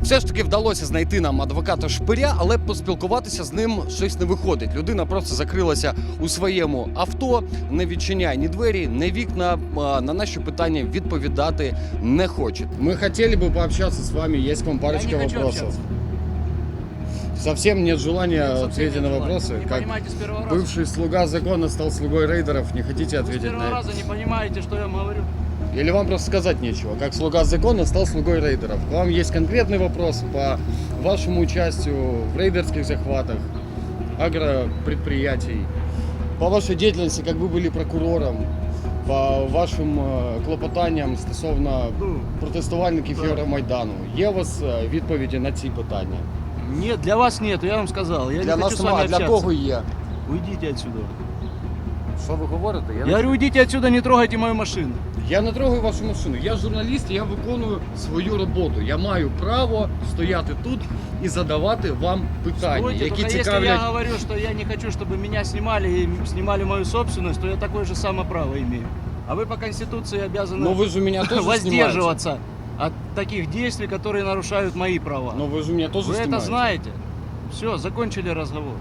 Все ж таки вдалося знайти нам адвоката Шпиря, але поспілкуватися з ним щось не виходить. Людина просто закрилася у своєму авто, не відчиняє ні двері, ні вікна, на наші питання відповідати не хоче. Мы хотели бы пообщаться с вами, есть к вам парочка вопросов. Совсем нет желания ответить на вопросы. Не Как понимаете с первого раза? бывший слуга закона стал слугой рейдеров, не хотите Вы с ответить первого на это? раза не понимаете, что я вам говорю. Или вам просто сказать нечего? Как слуга закона стал слугой рейдеров? К вам есть конкретный вопрос по вашему участию в рейдерских захватах, агропредприятий, по вашей деятельности, как вы были прокурором, по вашим клопотанням стосовно протестувальників Євромайдану. Є у вас відповіді на ці питання? Нет, для вас нет, я вам сказал. Я Для не нас хочу с вами немає, для общаться. кого є? Уйдите отсюда. Що ви говорите? Я говорю, уйдите отсюда, не трогайте мою машину. Я не трогаю вашу машину. Я журналіст, я виконую свою роботу. Я маю право стояти тут і задавати вам питання, Стойте, які только если я цікавлять. говорю, что я не хочу, чтобы меня снимали и снимали мою собственность, то я такое же самое право имею. А вы по Конституции обязаны Ну ви ж у мене теж знімаєте. воздерживаться от таких действий, которые нарушают мои права. Ну ви ж у мене теж Вы знімаєте. это знаете. Все, закончили разговор.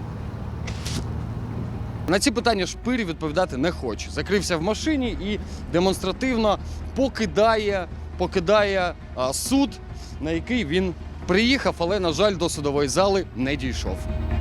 На ці питання Шпир відповідати не хоче. Закрився в машині і демонстративно покидає суд, на який він приїхав, але, на жаль, до судової зали не дійшов.